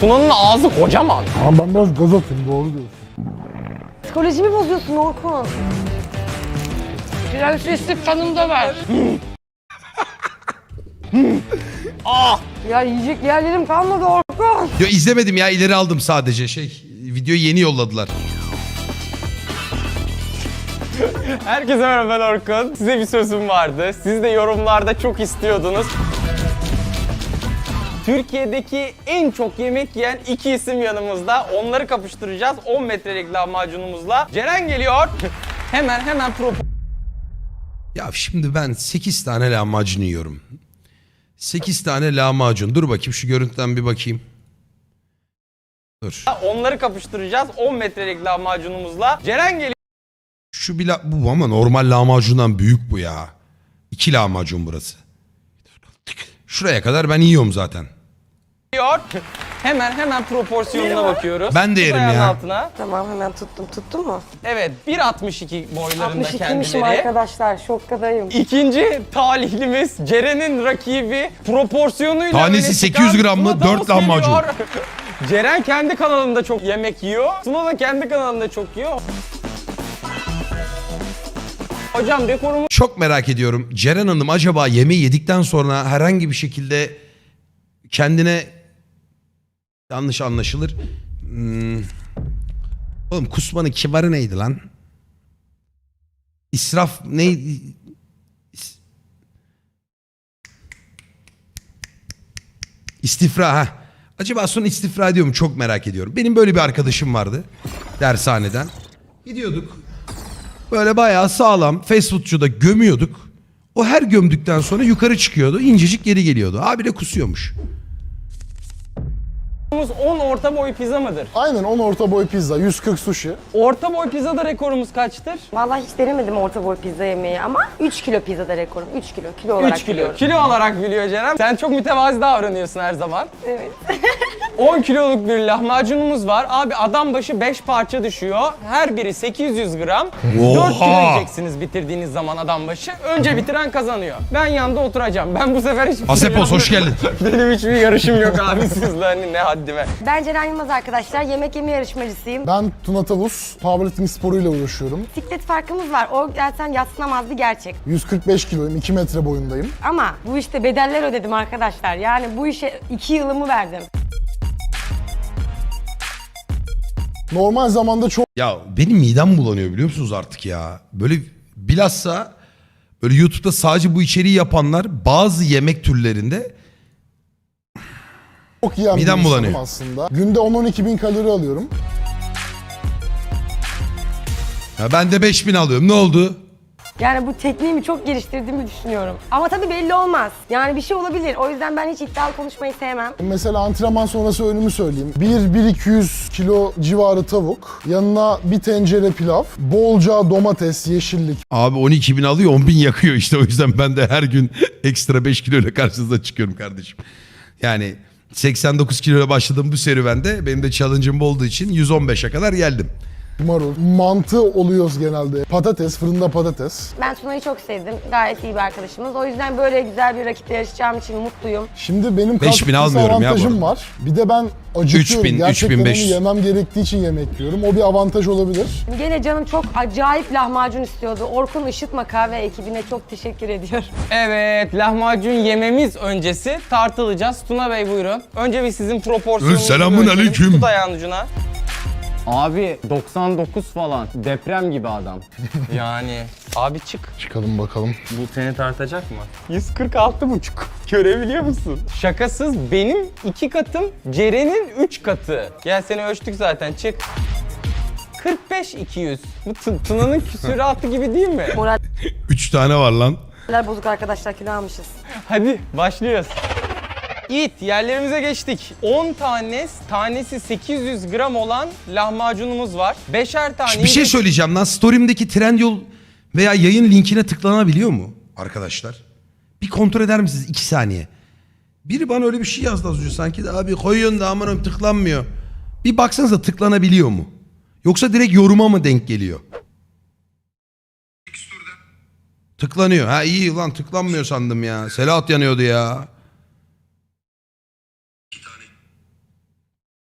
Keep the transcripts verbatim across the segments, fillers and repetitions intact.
Tuna'nın ağzı kocaman. Ama ben biraz gaz atayım, doğru diyorsun. Psikolojimi bozuyorsun Orkun. Prenseslik kanımda ver. Ah! Ya yiyecek yerlerim kalmadı Orkun. Yo, izlemedim ya, ileri aldım sadece şey. Videoyu yeni yolladılar. Herkese merhaba, ben Orkun. Size bir sözüm vardı. Siz de yorumlarda çok istiyordunuz. Türkiye'deki en çok yemek yiyen iki isim yanımızda. Onları kapıştıracağız on metrelik lahmacunumuzla. Ceren geliyor. hemen hemen pro... Ya şimdi ben sekiz tane lahmacun yiyorum. sekiz tane lahmacun. Dur bakayım, şu görüntüden bir bakayım. Dur. Onları kapıştıracağız on metrelik lahmacunumuzla. Ceren geliyor. Şu bir la- bu ama normal lahmacundan büyük bu ya. İki lahmacun burası. Şuraya kadar ben yiyorum zaten. Hemen hemen proporsiyonuna bakıyoruz. Ben de Tut yerim ayağın ya. altına. Tamam hemen tuttum. Tuttun mu? Evet, bir altmış iki boylarında altmış ikiymişim kendileri. arkadaşlar. Şokkadayım. İkinci talihlimiz Ceren'in rakibi, proporsiyonuyla Tanesi öne sekiz yüz çıkan gram mı? Tuna Dört Tavus lahmacun. geliyor. Ceren kendi kanalında çok yemek yiyor. Tuna da kendi kanalında çok yiyor. Hocam dekorumu Çok merak ediyorum. Ceren Hanım acaba yemeği yedikten sonra herhangi bir şekilde kendine, yanlış anlaşılır. Hmm. Oğlum kusmanın kibarı neydi lan? İsraf neydi? İs- İstifra ha. Acaba sonra istifra ediyor mu? Çok merak ediyorum. Benim böyle bir arkadaşım vardı dershaneden. Gidiyorduk. Böyle bayağı sağlam fast foodçuda gömüyorduk. O her gömdükten sonra yukarı çıkıyordu. İncecik geri geliyordu. Abi de kusuyormuş. on orta boy pizza mıdır? Aynen, on orta boy pizza, yüz kırk sushi. Orta boy pizzada rekorumuz kaçtır? Vallahi hiç denemedim orta boy pizza yemeği ama üç kilo pizzada rekorum. üç kilo. Kilo olarak üç kilo. biliyorum. Kilo olarak biliyor Ceren. Sen çok mütevazi davranıyorsun her zaman. Evet. on kiloluk bir lahmacunumuz var. Abi adam başı beş parça düşüyor. Her biri sekiz yüz gram. dört kilo Oha! yiyeceksiniz bitirdiğiniz zaman adam başı. Önce bitiren kazanıyor. Ben yanında oturacağım. Ben bu sefer hiçbir şey Asepos hoş geldin. Benim hiçbir yarışım yok abi sizle, hani ne haddime. Ben Ceren Yılmaz arkadaşlar. Yemek yeme yarışmacısıyım. Ben Tuna Tavus, powerlifting sporuyla uğraşıyorum. Bisiklet farkımız var. O zaten yadsınamaz bir gerçek. yüz kırk beş kiloyum, iki metre boyundayım. Ama bu işte bedeller ödedim arkadaşlar. Yani bu işe iki yılımı verdim. Normal zamanda çok Ya benim midem bulanıyor biliyor musunuz artık ya. Böyle bilhassa böyle YouTube'da sadece bu içeriği yapanlar bazı yemek türlerinde çok yiyen bir Midem insanım bulanıyor. aslında. Günde on on iki bin kalori alıyorum. ya ben de beş bin alıyorum. Ne oldu? Yani bu tekniğimi çok geliştirdiğimi düşünüyorum. Ama tabii belli olmaz. Yani bir şey olabilir. O yüzden ben hiç iddialı konuşmayı sevmem. Mesela antrenman sonrası öğünümü söyleyeyim. bir bir iki yüz kilo civarı tavuk, yanına bir tencere pilav, bolca domates, yeşillik, Abi on iki bin alıyor, on bin yakıyor işte. O yüzden ben de her gün ekstra beş kilo ile karşınıza çıkıyorum kardeşim. Yani seksen dokuz kilo ile başladığım bu serüvende benim de challenge'ım olduğu için yüz on beşe kadar geldim. marul, mantı oluyoruz genelde. Patates, fırında patates. Ben Tuna'yı çok sevdim. Gayet iyi bir arkadaşımız. O yüzden böyle güzel bir rakiple yarışacağım için mutluyum. Şimdi benim beş kas bin kütlesi almıyorum ya bu avantajım arada. var. Bir de ben acıkıyorum. üç bin, Gerçekten üç bin beş onu yüz. yemem gerektiği için yemek yiyorum. O bir avantaj olabilir. Gene canım çok acayip lahmacun istiyordu. Orkun Işıtma Kahve ekibine çok teşekkür ediyorum. Evet, lahmacun yememiz öncesi tartılacağız. Tuna Bey buyurun. Önce bir sizin proporsiyonunuzu Selamun ölçelim. aleyküm. Tut ayağın ucuna. Abi doksan dokuz falan. Deprem gibi adam. Yani abi çık. Çıkalım bakalım. Bu seni tartacak mı? yüz kırk altı buçuk. Görebiliyor musun? Şakasız benim iki katım, Ceren'in üç katı. Gel seni ölçtük zaten, çık. kırk beş iki yüz. Bu Tı- Tuna'nın küsuratı gibi değil mi? Moraller üç tane var lan. bozuk arkadaşlar, kilo almışız. Hadi başlıyoruz. İt, yerlerimize geçtik. on tane, tanesi sekiz yüz gram olan lahmacunumuz var. Beşer tane. Bir şey söyleyeceğim lan. Story'imdeki Trendyol veya yayın linkine tıklanabiliyor mu arkadaşlar? Bir kontrol eder misiniz? iki saniye. Biri bana öyle bir şey yazdı az önce sanki de abi koyuyorsun da aman tıklanmıyor. Bir baksanıza tıklanabiliyor mu? Yoksa direkt yoruma mı denk geliyor? Tıklanıyor. Ha iyi lan, tıklanmıyor sandım ya. Selahat yanıyordu ya.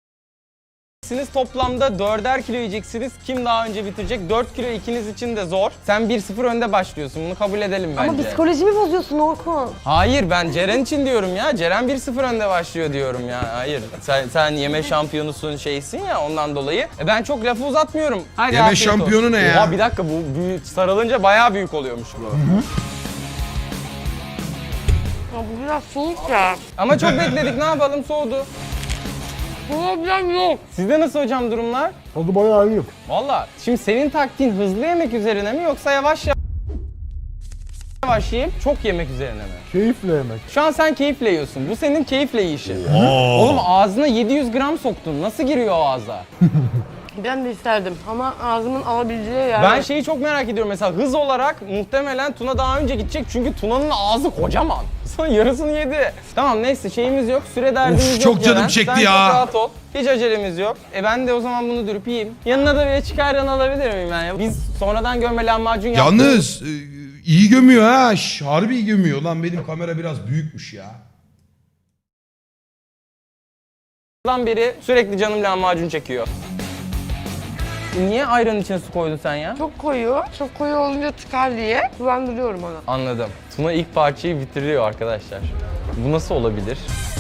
Siz toplamda dörder kilo yiyeceksiniz. Kim daha önce bitirecek? dört kilo ikiniz için de zor. Sen bir sıfır önde başlıyorsun. Bunu kabul edelim bence. Ama psikolojimi bozuyorsun Orkun. Hayır, ben Ceren için diyorum ya. Ceren bir sıfır önde başlıyor diyorum ya. Hayır. Sen, sen yeme şampiyonusun şeysin ya ondan dolayı. E ben çok lafı uzatmıyorum. Hadi Yeme afiyet olsun. şampiyonu ne ya? Oha, bir dakika, bu büyük, sarılınca bayağı büyük oluyormuş bu. Ya bu biraz soğuk ya. Ama çok bekledik, ne yapalım, soğudu. Problem yok. Sizde nasıl hocam durumlar? Tadı bayağı iyi. Valla şimdi senin taktiğin hızlı yemek üzerine mi yoksa yavaş yavaş yiyip çok yemek üzerine mi? Keyifle yemek. Şu an sen keyifle yiyorsun. Bu senin keyifle yiyişin. Oğlum ağzına yedi yüz gram soktun. Nasıl giriyor o ağza? Ben de isterdim ama ağzımın alabileceği yer. Ben şeyi çok merak ediyorum. Mesela hız olarak muhtemelen Tuna daha önce gidecek. Çünkü Tuna'nın ağzı kocaman. Sonra yarısını yedi. Tamam neyse, şeyimiz yok. Süre derdimiz Of, yok. çok canım Ceren. çekti Sen ya. çok rahat ol. Hiç acelemiz yok. E ben de o zaman bunu dürüp yiyeyim. Yanına da bir çıkardan alabilir miyim ben ya? Biz sonradan gömme lahmacun yaptık. Yalnız e, iyi gömüyor ha. Şş, harbi iyi gömüyor. Lan benim kamera biraz büyükmüş ya. Lan beri sürekli canım lahmacun çekiyor. Niye ayranın içine su koydun sen ya? Çok koyu, çok koyu olunca tıkar diye kullandırıyorum onu. Anladım. Tuna ilk parçayı bitiriyor arkadaşlar. Bu nasıl olabilir?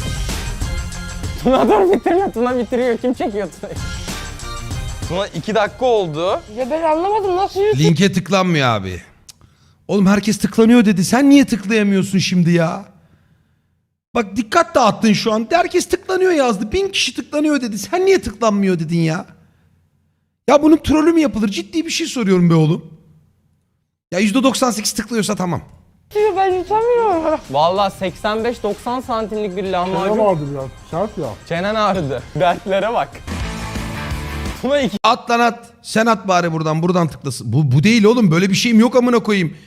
Tuna dur bitirme. Tuna bitiriyor. Kim çekiyor Tuna'yı? Tuna iki dakika oldu. Ya ben anlamadım nasıl yürütüyor? Linke tıklanmıyor abi. Cık. Oğlum herkes tıklanıyor dedi. Sen niye tıklayamıyorsun şimdi ya? Bak dikkat dağıttın şu an. Herkes tıklanıyor yazdı. Bin kişi tıklanıyor dedi. Sen niye tıklanmıyor dedin ya? Ya bunun trolü mü yapılır? Ciddi bir şey soruyorum be oğlum. Ya yüzde doksan sekiz tıklıyorsa tamam. Ben yutamıyorum. Vallahi seksen beş doksan santimlik bir Ne lahmacun. vardı biraz? Sert ya. Çenen ağrıdı. Dertlere bak. Tuna iki At lan at. Sen at bari buradan. Buradan tıklasın. Bu, bu değil oğlum. Böyle bir şeyim yok amına koyayım.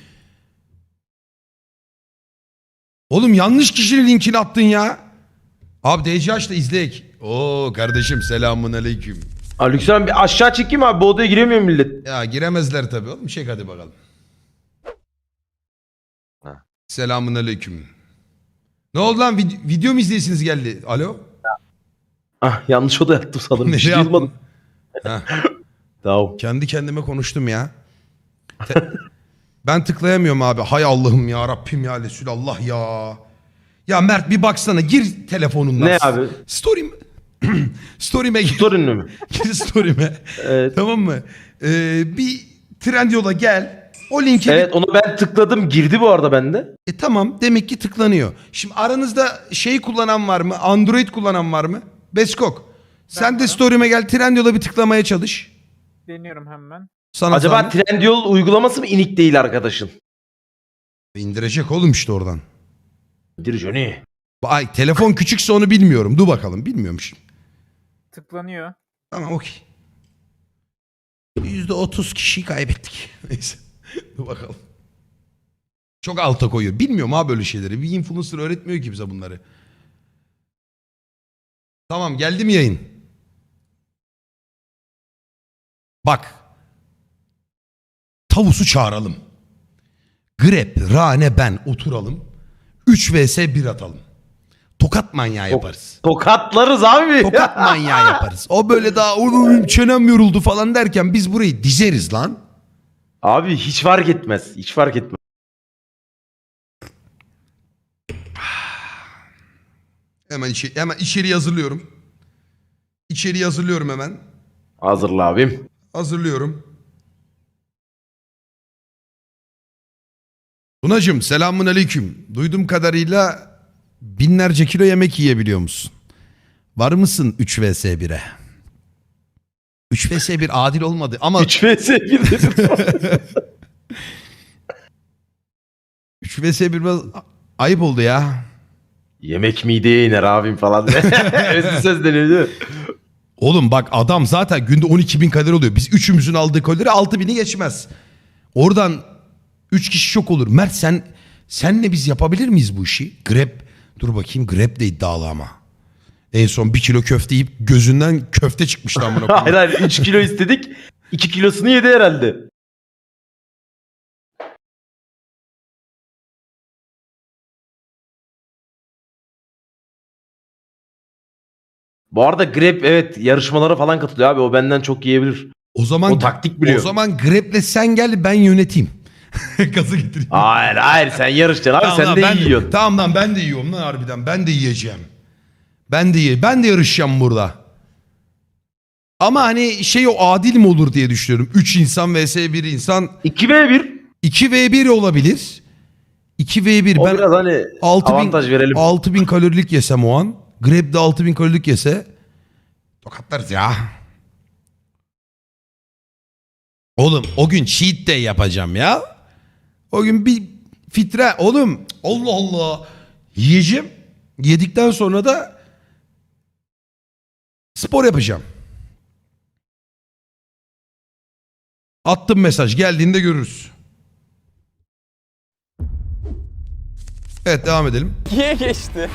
Oğlum yanlış kişinin linkini attın ya. Abi D C H da izleyek. Oo kardeşim selamun aleyküm. Aleykümselam, bir aşağı çekeyim abi, bu odaya giremiyor millet. Ya giremezler tabii oğlum. Çek hadi bakalım. Ha. Selamun aleyküm. Ne oldu lan? Vid- video mu izleyesiniz geldi? Alo? Ah, yanlış oda yattım sanırım. Bir şey yaptın? duymadım. Ha, Tamam. kendi kendime konuştum ya. Te- ben tıklayamıyorum abi. Hay Allah'ım ya Rabbim ya Resulallah ya. Ya Mert bir baksana, gir telefonundan. Ne abi? Story'm Story'me gir. Sorun ne mi? Gir story'me. Evet. Tamam mı? Ee, bir Trendyol'a gel. O linki Evet, onu ben tıkladım, girdi bu arada bende. E tamam, demek ki tıklanıyor. Şimdi aranızda şey kullanan var mı? Android kullanan var mı? Beskok. Sen de story'me gel, Trendyol'a bir tıklamaya çalış. Deniyorum hemen. Sana Acaba zahmet. Trendyol uygulaması mı inik değil arkadaşın? indirecek oğlum işte oradan. Dir Johnny. Ay telefon küçükse onu bilmiyorum. Dur bakalım, bilmiyorum şimdi. Tıklanıyor. Tamam okey. yüzde otuz kişiyi kaybettik. Neyse. Dur bakalım. Çok alta koyuyor. Bilmiyorum abi böyle şeyleri. Bir influencer öğretmiyor ki bize bunları. Tamam, geldi mi yayın? Bak. Tavusu çağıralım. Grep, Rane, ben oturalım. üç vs bir atalım. Tokat manyağı yaparız. Tokatlarız abi. Tokat manyağı yaparız. O böyle daha "Oğlum, çenem yoruldu" falan derken biz burayı dizeriz lan. Abi hiç fark etmez. Hiç fark etmez. Hemen içeri, hemen içeri hazırlıyorum. İçeri hazırlıyorum hemen. Hazırla abim. Hazırlıyorum. Tunacığım selamun aleyküm. Duyduğum kadarıyla binlerce kilo yemek yiyebiliyor musun? Var mısın üç vs bire? üç vs bir adil olmadı ama üç vs bir dedim. üç vs bir biraz ayıp oldu ya. Yemek mideye iner abim falan. Özlü söz deniyor değil mi? Oğlum bak, adam zaten günde on iki bin kalori oluyor. Biz üçümüzün aldığı kalori altı bini geçmez. Oradan üç kişi çok olur. Mert sen senle biz yapabilir miyiz bu işi? Grab, dur bakayım, Grab de iddialı ama. En son bir kilo köfte yiyip gözünden köfte çıkmıştı amına koyayım. Hayır hayır, üç kilo istedik. iki kilosunu yedi herhalde. Bu arada Grab evet yarışmalara falan katılıyor abi. O benden çok yiyebilir. O zaman O taktik biliyor. O zaman Grab'le sen gel ben yöneteyim. Gazı getireyim. Hayır hayır sen yarışacaksın abi Tamam sen lan, de ben yiyorsun. Tamam lan ben de yiyorum lan harbiden. Ben de yiyeceğim. Ben de ye ben de yarışacağım burada. Ama hani şey o adil mi olur diye düşünüyorum. üç insan vs bir insan. iki ve bir. iki ve bir olabilir. iki ve bir. O Ben biraz hani altı bin, avantaj verelim. altı bin kalorilik yesem o an. Grab de altı bin kalorilik yese. Tokatlarız ya. Oğlum o gün cheat day yapacağım ya. O gün bir fitre. Oğlum Allah Allah. Yiyeceğim. Yedikten sonra da spor yapacağım. Attım mesaj. Geldiğinde görürüz. Evet devam edelim. ikiye geçti.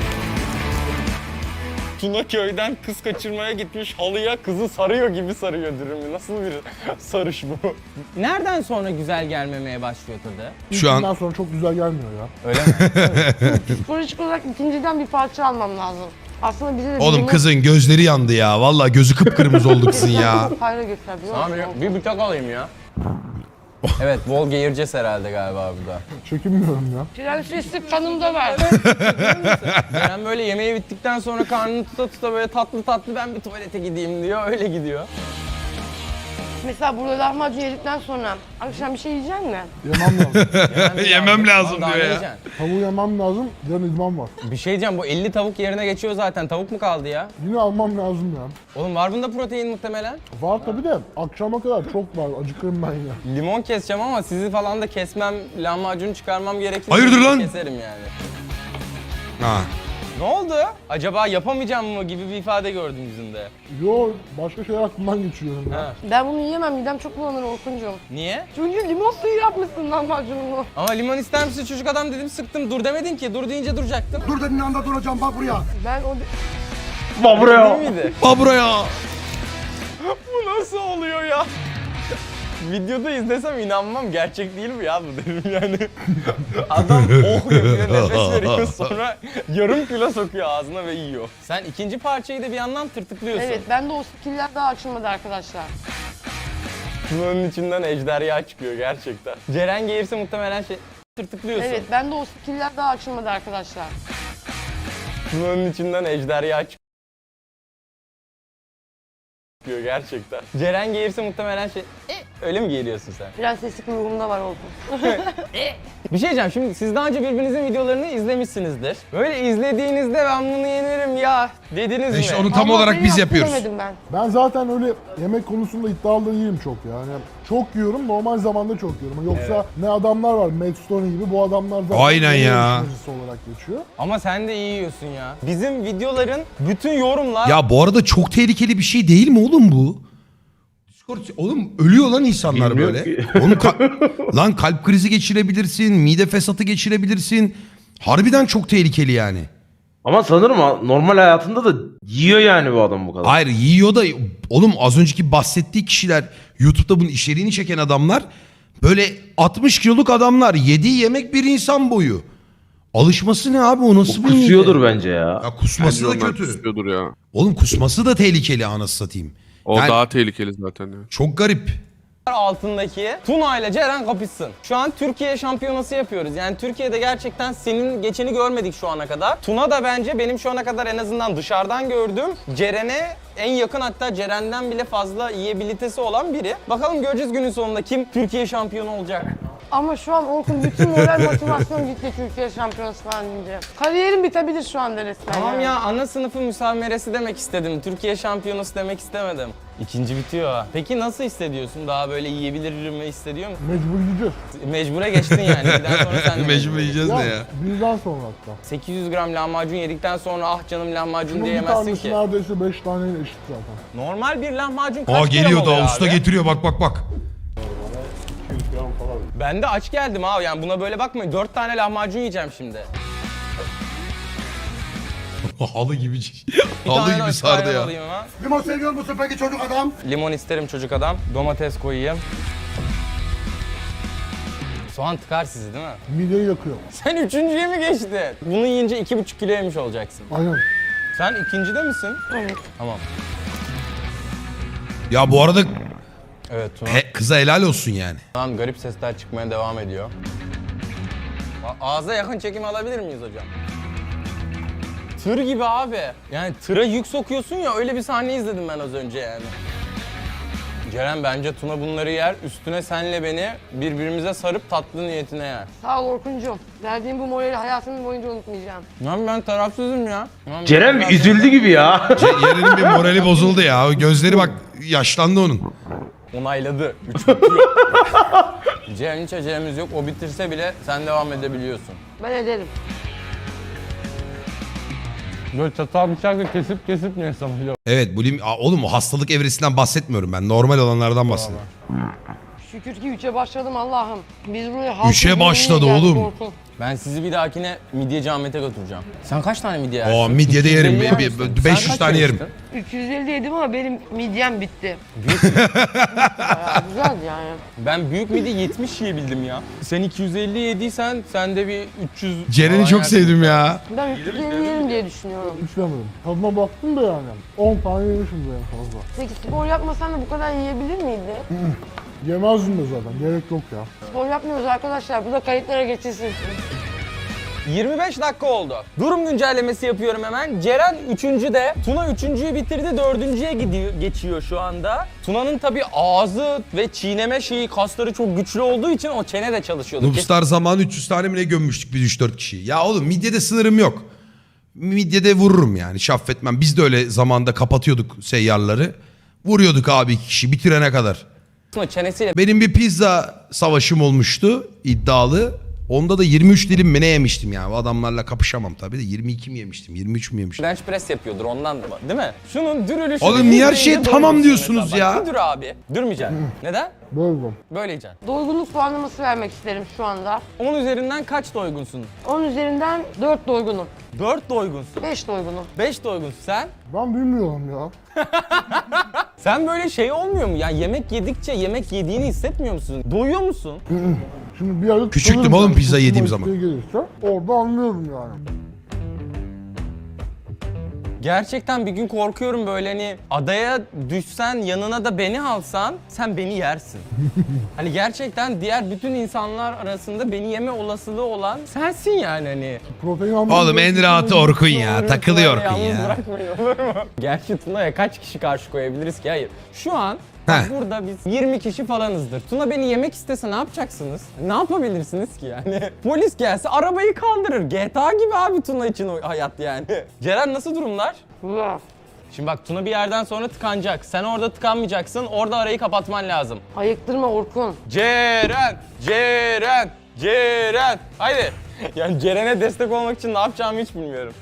Tuna köyden kız kaçırmaya gitmiş halıya kızı sarıyor gibi sarıyor dürümü. Nasıl bir sarış bu? Nereden sonra güzel gelmemeye başlıyor tadı? Şu an İlkinden sonra çok güzel gelmiyor ya. Öyle mi? Psikolojik olarak ikinciden bir parça almam lazım. Aslında bize de... oğlum limon- kızın gözleri yandı ya. Vallahi gözü kıpkırmızı oldu kızın ya. Hayra göster biliyor Tamam musun? bir, bir bıçak alayım ya. Evet, bol geğireceğiz herhalde galiba burada. Çekinmiyorum ya. Prenseslik kanımda var. Ceren böyle yemeği bittikten sonra karnını tuta tuta böyle tatlı tatlı ben bir tuvalete gideyim diyor, öyle gidiyor. Mesela burada lahmacun yedikten sonra akşam bir şey yiyecek mi? Yemem lazım. Yemem lazım Daha diyor ne ya. yiyeceksin? Tavuğu yemem lazım. Yarın idman var. Bir şey diyeceğim, bu elli tavuk yerine geçiyor zaten. Tavuk mu kaldı ya? Yine almam lazım ya. Oğlum var bunda protein muhtemelen. Var tabii de akşama kadar çok var. Acıkırım ben ya. Limon keseceğim ama sizi falan da kesmem, lahmacunu çıkarmam gerekirse Hayırdır lan? keserim yani. Ha. Ne oldu? Acaba yapamayacağım mı gibi bir ifade gördüm yüzünde. Yo başka şeyler aklımdan geçiriyorum ya. Ha. Ben bunu yiyemem. Midem çok bulanır Orkuncuğum. Niye? Çünkü limon suyu yapmışsın lahmacununu. Ama limon ister misin çocuk adam dedim sıktım. Dur demedin ki. Dur deyince duracaktım. Dur dediğin anda duracağım bak buraya. Ben o... Bak buraya. Değil miydi? Aa buraya. Bu nasıl oluyor ya? Videoda izlesem inanmam, gerçek değil mi ya bu derim yani. Adam oh yapıyor, nefes veriyor, sonra yarım kilo sokuyor ağzına ve yiyor. Sen ikinci parçayı da bir yandan tırtıklıyorsun. Evet, ben de o skiller daha açılmadı arkadaşlar. Bunun içinden ejderha çıkıyor gerçekten. Ceren gelirse muhtemelen şey tırtıklıyorsun. Evet, ben de o skiller daha açılmadı arkadaşlar. Bunun içinden ejderha çıkıyor gerçekten. Ceren gelirse muhtemelen şey e, öyle mi geliyorsun sen? Prenseslik ruhumda var Orkun. Bir şey diyeceğim, şimdi siz daha önce birbirinizin videolarını izlemişsinizdir. Böyle izlediğinizde ben bunu yenerim ya dediniz İşte mi? onu tam Allah olarak beni biz yaptı yapıyoruz. demedim ben. Ben zaten öyle yemek konusunda iddialı değilim çok yani. Çok yiyorum, normal zamanda çok yiyorum. Yoksa ne adamlar var, Matt Stone gibi, bu adamlar zaten Aynen yemek ya. yarışmacısı olarak geçiyor. Ama sen de iyi yiyorsun ya. Bizim videoların bütün yorumlar... Ya bu arada çok tehlikeli bir şey değil mi oğlum bu? Discord, oğlum ölüyor lan insanlar Bilmiyorum böyle. ki. Oğlum ka- lan kalp krizi geçirebilirsin, mide fesatı geçirebilirsin. Harbiden çok tehlikeli yani. Ama sanırım ha- normal hayatında da yiyor yani bu adam bu kadar. Hayır yiyor da oğlum az önceki bahsettiği kişiler YouTube'da bunun içeriğini çeken adamlar böyle altmış kiloluk adamlar, yediği yemek bir insan boyu. Alışması ne abi, o nasıl Bu bir mide? kusuyordur bence ya. Ya kusması da Bence onlar kötü. kusuyordur ya. Oğlum kusması da tehlikeli anasını satayım. O Yani daha tehlikeli zaten ya. çok garip. altındaki Tuna ile Ceren kapışsın. Şu an Türkiye şampiyonası yapıyoruz. Yani Türkiye'de gerçekten senin geçeni görmedik şu ana kadar. Tuna da bence benim şu ana kadar en azından dışarıdan gördüğüm Ceren'e en yakın, hatta Ceren'den bile fazla yiyebilitesi olan biri. Bakalım göreceğiz günün sonunda kim Türkiye şampiyonu olacak. Ama şu an Orkun bütün moral motivasyon gitti Türkiye şampiyonası falan deyince. Kariyerim bitebilir şu anda resmen. Tamam yani. ya, ana sınıfı müsameresi demek istedim. Türkiye şampiyonası demek istemedim. İkinci bitiyor ha. Peki nasıl hissediyorsun? Daha böyle yiyebilir mi hissediyor musun? Mecbur yiyeceğiz. Mecbure geçtin yani. Birden sonra sen de Mecbur yiyeceğiz Ya, ne ya? birden sonra hatta. sekiz yüz gram lahmacun yedikten sonra ah canım lahmacun Bunun bir diyemezsin tanesi ki. neredeyse beş taneyle eşit zaten. Normal bir lahmacun kaç Aa gram geliyor oluyor da usta abi? getiriyor bak bak bak. Ben de aç geldim abi, yani buna böyle bakmayın. dört tane lahmacun yiyeceğim şimdi. Halı gibi Bir halı tane gibi de sardı ayran ya. alayım ha. Limon seviyor musun peki çocuk adam? Limon isterim çocuk adam. Domates koyayım. Soğan tıkar sizi değil mi? Mideyi yakıyor. Sen üçüncüye mi geçtin? Bunu yiyince iki buçuk kilo yemiş olacaksın. Aynen. Sen ikincide misin? Evet. Tamam. Ya bu arada Evet Tuna. he, kıza helal olsun yani. Lan garip sesler çıkmaya devam ediyor. A- Ağza yakın çekim alabilir miyiz hocam? Tır gibi abi. Yani tıra yük sokuyorsun ya, öyle bir sahne izledim ben az önce yani. Ceren bence Tuna bunları yer, üstüne senle beni birbirimize sarıp tatlı niyetine yer. Sağ ol Orkuncuğum. Verdiğim bu morali hayatımın boyunca unutmayacağım. Lan ben tarafsızım ya. Lan Ceren ben- bir üzüldü gibi ya. Ce- Yeren'in bir morali bozuldu ya. Gözleri bak yaşlandı onun. Onayladı. Üç bitiyor. Ceren hiç acelemiz yok. O bitirse bile sen devam edebiliyorsun. Ben ederim. Böyle çatal bıçakla kesip kesip ne hesabıyla? Evet bulim... Aa, oğlum o hastalık evresinden bahsetmiyorum ben. Normal olanlardan bahsediyorum. Şükür ki üçe başladım Allah'ım. Biz buraya halk Üçe ekmeğiyle başladı geldik oğlum. Orkun. Ben sizi bir dahakine midyeci Ahmet'e götüreceğim. Sen kaç tane midye yersin? Aa, midye de yerim. üç yüz elli yer Bir- misin? bir- Sen beş yüz kaç tane yerim. yemiştin? üç yüz elli yedim ama benim midyem bitti. Bayağı güzel yani. Ben büyük midye yetmiş yiyebildim ya. Sen iki yüz elli yediysen sen de bir üç yüz... Ceren'i falan çok yersin. sevdim ya. Ben üç yüz elli yerim diye düşünüyorum. İçlemedim. Tadına baktım da yani. on tane yemişim en fazla. Peki spor yapmasan da bu kadar yiyebilir miydi? Yemezdim de zaten. Gerek yok ya. Spor yapmıyoruz arkadaşlar. Bu da kayıtlara geçilsin. yirmi beş dakika oldu. Durum güncellemesi yapıyorum hemen. Ceren üçüncü de. Tuna üçüncüyü bitirdi, dördüncüye gidiyor, geçiyor şu anda. Tuna'nın tabii ağzı ve çiğneme şeyi, kasları çok güçlü olduğu için o çene de çalışıyordu. Noobstar zamanı üç yüz tane mi ne gömmüştük biz üç dört kişiyi. Ya oğlum midyede sınırım yok. Midyede vururum yani şaffetmem. Biz de öyle zamanda kapatıyorduk seyyarları. Vuruyorduk abi iki kişi bitirene kadar. Tuna çenesiyle Benim bir pizza savaşım olmuştu iddialı. Onda da yirmi üç dilim mi ne yemiştim yani. O adamlarla kapışamam tabii de yirmi iki mi yemiştim, yirmi üç mü yemiştim? bench press yapıyordur ondan da, değil mi? Şunun dürülüşü... Oğlum niye her şeye tamam diyorsunuz ya? Bak, bir dur abi. Durmayacaksın. Neden? Böldüm. Böyle yiyeceksin. Doygunluk puanlaması vermek isterim şu anda. on üzerinden kaç doygunsun? on üzerinden dört doygunum. dört doygunsun. beş doygunum. beş doygunsun. Sen? Ben bilmiyorum ya. Sen böyle şey olmuyor mu? Yani yemek yedikçe yemek yediğini hissetmiyor musun? Doyuyor musun? Şimdi bir yerde Küçüktüm tutarım oğlum yani. pizza yediğim Tutma zaman. isteği gelirse orada anlıyorum yani. Gerçekten bir gün korkuyorum böyle, hani adaya düşsen yanına da beni alsan sen beni yersin. Hani gerçekten diğer bütün insanlar arasında beni yeme olasılığı olan sensin yani hani. Protein almam Oğlum en rahatı Orkun ya. Takılıyor Orkun Yalnız ya. bırakmayın, olur mu? Gerçi Tuna'ya kaç kişi karşı koyabiliriz ki? Hayır. Şu an bak Heh. burada biz yirmi kişi falanızdır. Tuna beni yemek istese ne yapacaksınız? Ne yapabilirsiniz ki yani? Polis gelse arabayı kaldırır. G T A gibi abi Tuna için o hayat yani. Ceren nasıl durumlar? Güzel. Şimdi bak Tuna bir yerden sonra tıkanacak. Sen orada tıkanmayacaksın. Orada arayı kapatman lazım. Ayıktırma Orkun. Ceren! Ceren! Ceren! Haydi. Yani Ceren'e destek olmak için ne yapacağımı hiç bilmiyorum.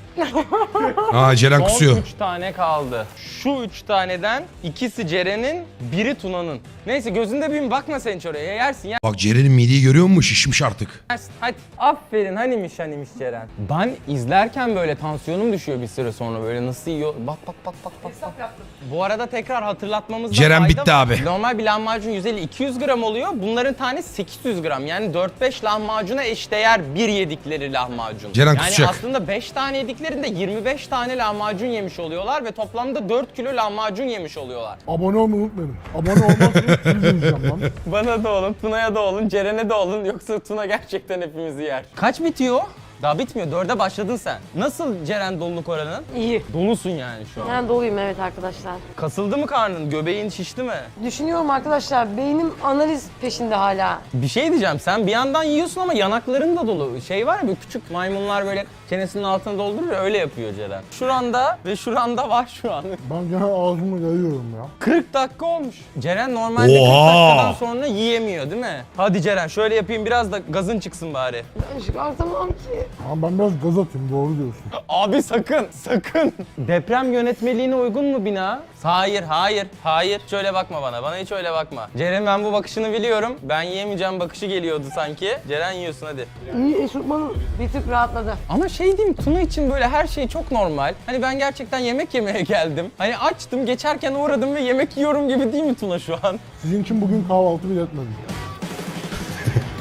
Aa Ceren kusuyor. Son üç tane kaldı. Şu üç taneden ikisi Ceren'in, biri Tuna'nın. Neyse gözünde büyüm, bakma sen hiç oraya. Yersin, Bak Ceren'in mideyi görüyor musun? Şişmiş artık. yersin. Hadi. Aferin, hanimiş hanimiş Ceren. Ben izlerken böyle tansiyonum düşüyor bir süre sonra, böyle nasıl yiyor. Bak bak bak bak bak. bak. Bu arada tekrar hatırlatmamızda Ceren fayda bitti var. abi. Normal bir lahmacun yüz elli iki yüz gram oluyor. Bunların tanesi sekiz yüz gram. Yani dört beş lahmacuna eşdeğer bir yedikleri lahmacun. Ceren yani kusacak. aslında beş tane yediklerinde yirmi beş tane lahmacun yemiş oluyorlar ve toplamda dört kilo lahmacun yemiş oluyorlar. Abone olmayı unutmayın. Abone olmazsanız siz izleyeceğim lan. Bana da olun, Tuna'ya da olun, Ceren'e de olun, yoksa Tuna gerçekten hepimizi yer. Kaç bitiyor? Daha bitmiyor. Dörde başladın sen. Nasıl Ceren doluluk oranın? İyi. Dolusun yani şu an. Ben doluyum evet arkadaşlar. Kasıldı mı karnın? Göbeğin şişti mi? Düşünüyorum arkadaşlar. Beynim analiz peşinde hala. Bir şey diyeceğim. Sen bir yandan yiyorsun ama yanakların da dolu. Şey var ya, bir küçük maymunlar böyle çenesinin altına doldurur ya, öyle yapıyor Ceren. Şuranda ve şuranda var şu an. Ben gene ağzımı yayıyorum ya. kırk dakika olmuş. Ceren normalde Oha! kırk dakikadan sonra yiyemiyor değil mi? Hadi Ceren şöyle yapayım, biraz da gazın çıksın bari. Ben çıkartamam ki. Ama ben biraz gaz atayım, doğru diyorsun. Abi sakın, sakın. Deprem yönetmeliğine uygun mu bina? Hayır, hayır, hayır. Şöyle bakma bana, bana hiç öyle bakma. Ceren, ben bu bakışını biliyorum. Ben yiyemeyeceğim bakışı geliyordu sanki. Ceren yiyorsun hadi. İyi, eşofmanım bir tık rahatladı. Ama şey diyeyim, Tuna için böyle her şey çok normal. Hani ben gerçekten yemek yemeye geldim. Hani açtım, geçerken uğradım ve yemek yiyorum gibi değil mi Tuna şu an? Sizin için bugün kahvaltı bile etmedim.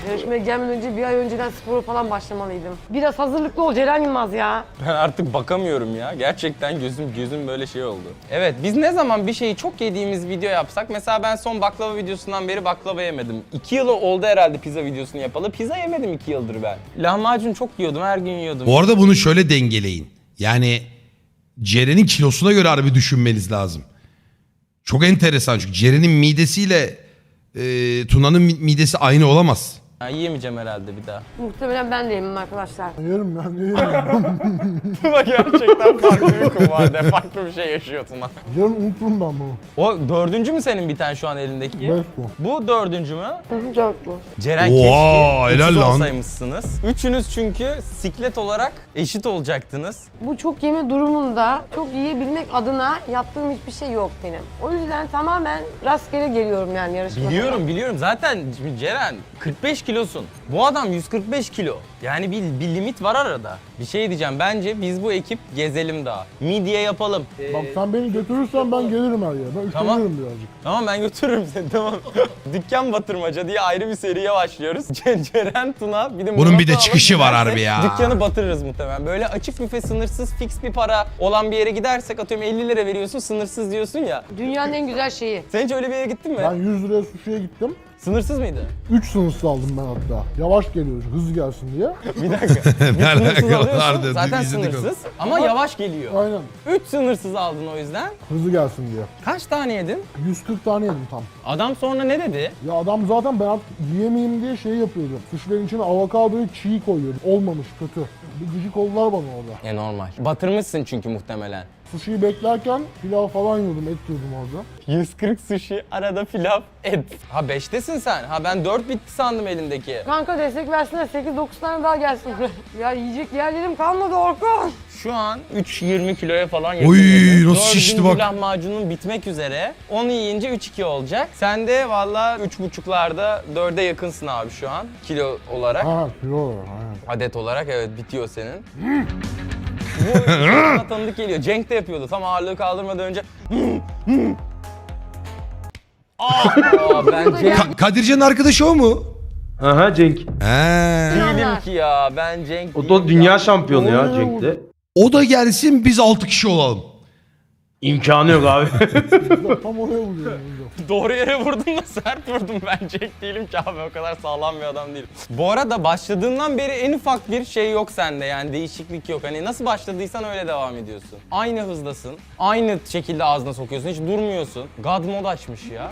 Yarışmaya gelmeden önce bir ay önceden spora falan başlamalıydım. Biraz hazırlıklı ol Ceren Yılmaz ya. Ben artık bakamıyorum ya. Gerçekten gözüm gözüm böyle şey oldu. Evet, biz ne zaman bir şeyi çok yediğimiz video yapsak, mesela ben son baklava videosundan beri baklava yemedim. İki yılı oldu herhalde pizza videosunu yapalı. Pizza yemedim iki yıldır ben. Lahmacun çok yiyordum, her gün yiyordum. Bu arada bunu şöyle dengeleyin. Yani Ceren'in kilosuna göre harbi düşünmeniz lazım. Çok enteresan çünkü Ceren'in midesiyle e, Tuna'nın mi- midesi aynı olamaz. Ha, yiyemeyeceğim herhalde bir daha. Muhtemelen ben de yemem arkadaşlar. Yerim ya, ne yerim? Tuna gerçekten farklı bir kumbarda, farklı bir şey yaşıyor Tuna. Yarın unuturum ben bunu. O dördüncü mü senin bir tane şu an elindeki? Beş bu. Bu dördüncü mü? Çok bu. Ceren Oha, keşke helal üçüz lan. olsaymışsınız. Üçünüz çünkü siklet olarak eşit olacaktınız. Bu çok yeme durumunda çok yiyebilmek adına yaptığım hiçbir şey yok benim. O yüzden tamamen rastgele geliyorum yani yarışmaya. Biliyorum biliyorum zaten şimdi Ceren kırk beş kilosun. Bu adam yüz kırk beş kilo. Yani bir, bir limit var arada. Bir şey diyeceğim, bence biz bu ekip gezelim daha. Midye yapalım. Bak sen beni götürürsen ben gelirim her yere. Ben Tamam. üşenirim birazcık. Tamam, ben götürürüm seni, tamam. Dükkan batırmaca diye ayrı bir seriye başlıyoruz. Ce- Ceren, Tuna bir de Bunun bir de Murat'ı çıkışı alıp var gidersek harbi ya. Dükkanı batırırız muhtemelen. Böyle açık büfe, sınırsız fix bir para olan bir yere gidersek, atıyorum elli lira veriyorsun, sınırsız diyorsun ya. Dünyanın en güzel şeyi. Sen hiç öyle bir yere gittin mi? Ben yüz liraya sushi'ye gittim. Sınırsız mıydı? üç sınırsız aldım ben hatta. Yavaş geliyor, hızlı gelsin diye. Bir dakika. Bir Ne sınırsız alaka alıyorsun, vardı, zaten izledik onu. sınırsız ama yavaş geliyor. Aynen. Üç sınırsız aldın o yüzden. Hızlı gelsin diye. Kaç tane yedin? yüz kırk tane yedim tam. Adam sonra ne dedi? Ya adam zaten ben artık yiyemeyeyim diye şey yapıyordu. Sushi'lerin içine avokadoyu çiğ koyuyordu. Olmamış, kötü. Bir gıcık oldular bana orada. E normal. Batırmışsın çünkü muhtemelen. Sushi'yi beklerken pilav falan yiyordum, et yiyordum orada. yüz kırk sushi, arada pilav, et. Ha beştesin sen. Ha ben dört bitti sandım elindeki. Kanka destek versene sekiz dokuz tane daha gelsin buraya. Ya yiyecek yerlerim kalmadı Orkun. Şu an üç yirmi kiloya falan Oy, yakınıyorsun. nasıl şişti Dördüncü bak. lahmacunun bitmek üzere. Onu yiyince üç iki olacak. Sen de valla üç buçuklarda dörde yakınsın abi şu an. Kilo olarak. Ha, kilo olarak, aynen. Adet olarak evet bitiyor senin. Bu bana tanıdık geliyor. Cenk de yapıyordu. Tam ağırlığı kaldırmadan önce. Aa, ben Cenk Ka- Kadircan'ın arkadaşı o mu? Aha Cenk. He. değilim ki ya. Ben Cenk O değilim da dünya ya. şampiyonu ya Cenk'te. O da gelsin biz altı kişi olalım. İmkanı yok abi. Tam oraya vuruyorum. Doğru yere vurdum da sert vurdum, ben Cenk değilim ki abi, o kadar sağlam bir adam değilim. Bu arada başladığından beri en ufak bir şey yok sende, yani değişiklik yok. Hani nasıl başladıysan öyle devam ediyorsun. Aynı hızdasın, aynı şekilde ağzına sokuyorsun, hiç durmuyorsun. God mode açmış ya.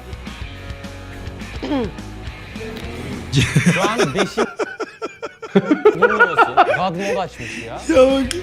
Şu an beşin... durmuyorsun, God mode açmış ya. Ya bak.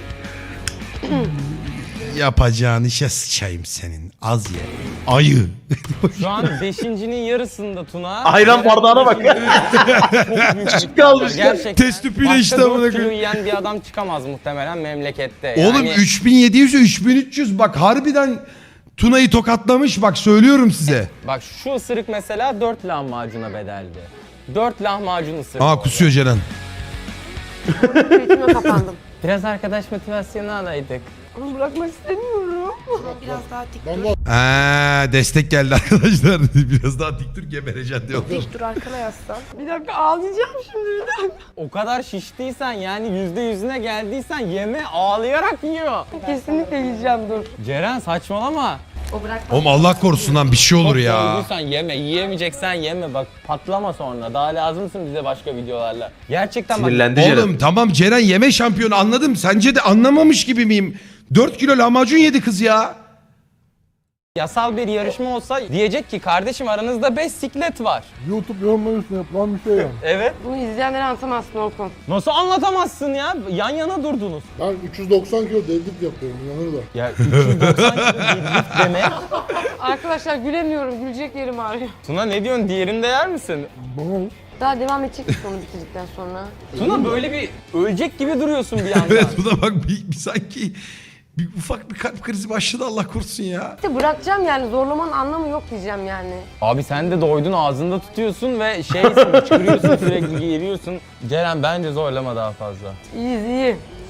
Yapacağın işe sıçayım senin. Az ye. Ayı. Şu an beşincinin yarısında Tuna. Ayran bardağına bak. Çok büyük Küçük kalmış ya. gerçekten. Test tüpüyle Başka işte dört amına kilo koyayım. yiyen bir adam çıkamaz muhtemelen memlekette. Oğlum Yani üç bin yedi yüz üç bin üç yüz bak harbiden Tuna'yı tokatlamış bak söylüyorum size. bak şu ısırık mesela dört lahmacuna bedeldi. dört lahmacun ısırık. Aa orada. kusuyor Ceren. Peşime kapandım. Biraz arkadaş motivasyonu alaydık. Onu bırakmak istemiyorum. Biraz daha dik Ben dur. de Aa, destek geldi arkadaşlar. Biraz daha dik dur gebereceksin diyorlar. Dik dur arkana yaslan. Bir dakika ağlayacağım şimdi bir dakika. O kadar şiştiysen, yani yüzde yüzüne geldiysen yeme, ağlayarak yiyor. Kesinlikle yiyeceğim dur. Ceren saçmalama. O bırakma. Oğlum Allah korusun lan bir şey olur Çok ya. doyduysan yeme, yiyemeyeceksen yeme. Bak patlama sonra. Daha lazımsın bize başka videolarla. Gerçekten bak. Sinirlendi Ceren. Oğlum tamam Ceren yeme şampiyonu anladım. Sence de anlamamış gibi miyim? dört kilo lahmacun yedi kız ya. Yasal bir yarışma olsa diyecek ki kardeşim aranızda beş siklet var. YouTube yorumları üstüne yapılan bir şey yani. Evet. Bunu izleyenlere anlatamazsın Orkun. Nasıl anlatamazsın ya? Yan yana durdunuz. Ben üç yüz doksan kilo deadlift yapıyorum, inanır da. Ya üç yüz doksan kilo deadlift deme. Arkadaşlar gülemiyorum. Gülecek yerim ağrıyor. Tuna ne diyorsun? Diğerinde yer misin? Bana Daha devam edecek misin onu bitirdikten sonra? Tuna böyle bir ölecek gibi duruyorsun bir yandan. Evet bu da bak bir, bir sanki bir ufak bir kalp krizi başladı Allah korusun ya. İşte bırakacağım yani. Zorlamanın anlamı yok diyeceğim yani. Abi sen de doydun, ağzında tutuyorsun ve şeysin, çıkırıyorsun sürekli geliyorsun. Ceren bence zorlama daha fazla. İyiyiz iyi.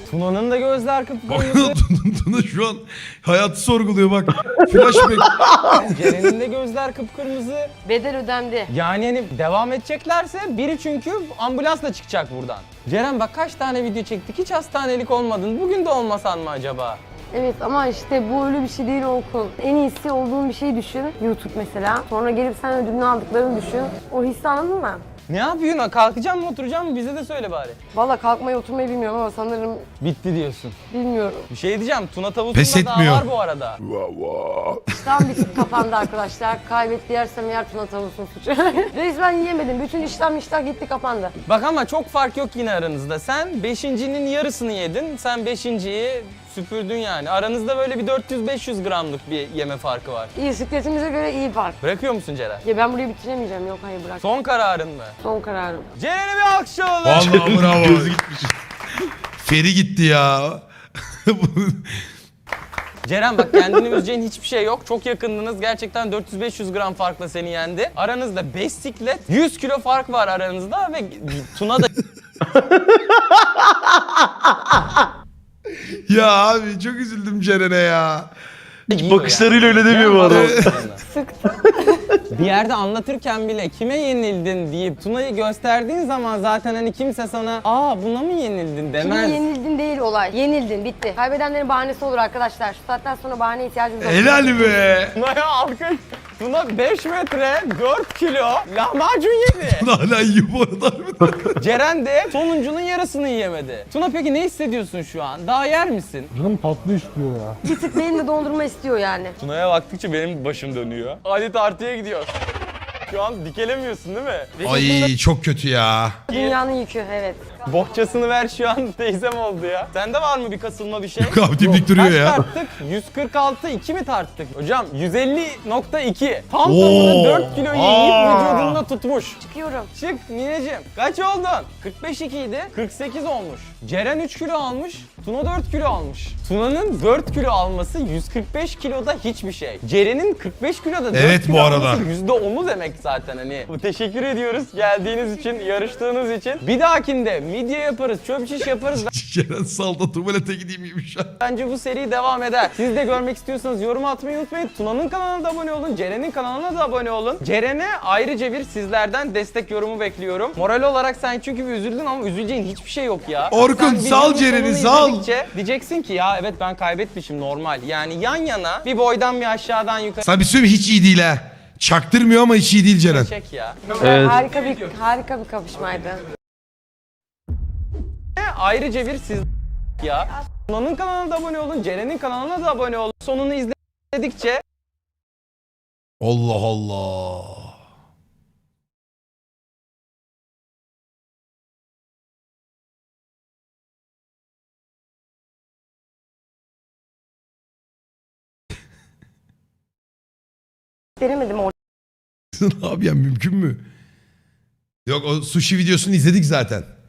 Tuna'nın da gözler Bak kıpkırmızı. Tuna şu an hayatı sorguluyor bak. Flashback. Ceren'in de gözler kıpkırmızı. Bedel ödendi. Yani hani devam edeceklerse biri çünkü ambulansla çıkacak buradan. Ceren bak kaç tane video çektik, hiç hastanelik olmadın. Bugün de olmasan mı acaba? Evet ama işte bu öyle bir şey değil Orkun. En iyisi olduğun bir şey düşün. YouTube mesela. Sonra gelip sen ödülünü aldıklarını düşün. O hissi anladın mı? Ne yapıyorsun? Kalkacağım mı oturacağım mı? Bize de söyle bari. Valla kalkmayı oturmayı bilmiyorum ama sanırım Bitti diyorsun. bilmiyorum. Bir şey diyeceğim. Tuna Pes tavusunda daha etmiyor. var bu arada. Tam bir tık kapandı arkadaşlar. Kaybetti yersem yer Tuna tavusun suçu. Resmen yiyemedim. Bütün işlem iştah gitti kapandı. Bak ama çok fark yok yine aranızda. Sen beşincinin yarısını yedin. Sen beşinciyi süpürdün yani. Aranızda böyle bir dört yüz beş yüz gramlık bir yeme farkı var. İyi sikletimize göre iyi fark. Bırakıyor musun Ceren? Ya ben burayı bitiremeyeceğim. Yok hayır bırak. Son, Son kararın mı? kararım. Ceren'e bir alkış alalım. Vallahi bravo. Feri gitti ya. Ceren bak kendini üzeceğin hiçbir şey yok. Çok yakındınız. Gerçekten dört yüz beş yüz gram farkla seni yendi. Aranızda beş siklet, yüz kilo fark var aranızda ve Tuna da Ya abi çok üzüldüm Ceren'e ya. Hiç bakışlarıyla öyle demiyor bu adam. Bir yerde anlatırken bile kime yenildin deyip Tuna'yı gösterdiğin zaman zaten hani kimse sana aa buna mı yenildin Kime demez. yenildin değil olay. Yenildin bitti. Kaybedenlerin bahanesi olur arkadaşlar. Şu saatten sonra bahane ihtiyacımız yok. Helal be. Tuna'ya alkış. Tuna beş metre dört kilo lahmacun yedi. Hala iyi bu arada harbiden. Ceren de sonuncunun yarısını yiyemedi. Tuna peki ne hissediyorsun şu an? Daha yer misin? Canım tatlı istiyor ya. Bir tık benim de dondurma istiyor yani. Tuna'ya baktıkça benim başım dönüyor. Hadi tartıya gidiyor. Şu an dikelemiyorsun değil mi? Ay çok kötü ya. Dünyanın yükü evet. Bohçasını ver şu an teyzem oldu ya. Sende var mı bir kasılma bir şey? Yok abi, dimdik duruyor Kaç ya. tarttık? yüz kırk altı iki mi tarttık? Hocam yüz elli nokta iki. Tam Oo. tamına dört kiloyu yiyip Aa. vücudunda tutmuş. Çıkıyorum. Çık nineciğim. Kaç oldun? kırk beş ikiydi. kırk sekiz olmuş. Ceren üç kilo almış. Tuna dört kilo almış. Tuna'nın dört kilo alması yüz kırk beş kiloda hiçbir şey. Ceren'in kırk beş kiloda dört Evet, kilo bu arada. alması yüzde onu demek zaten hani. Teşekkür ediyoruz geldiğiniz için, yarıştığınız için. Bir dahakinde midye yaparız, çöp şiş yaparız. Ceren salda tuvalete gideyim gibi şu an. Bence bu seri devam eder. Siz de görmek istiyorsanız yorum atmayı unutmayın. Tuna'nın kanalına da abone olun. Ceren'in kanalına da abone olun. Ceren'e ayrıca bir sizlerden destek yorumu bekliyorum. Moral olarak sen çünkü bir üzüldün ama üzüleceğin hiçbir şey yok ya. Orkun, Sen sal videonun Ceren'i, sonunu sal. izledikçe Diyeceksin ki ya evet ben kaybetmişim normal. Yani yan yana bir boydan bir aşağıdan yukarı Sana bir söyleyeyim mi? Hiç iyi değil ha. Çaktırmıyor ama hiç iyi değil Ceren. çek ya. Evet. Harika bir harika bir kapışmaydı. Ayrıca bir siz ya. Tuna'nın kanalına da abone olun. Ceren'in kanalına da abone olun. Sonunu izledikçe Allah Allah. Veremedim orada. Abi ya mümkün mü? Yok o sushi videosunu izledik zaten.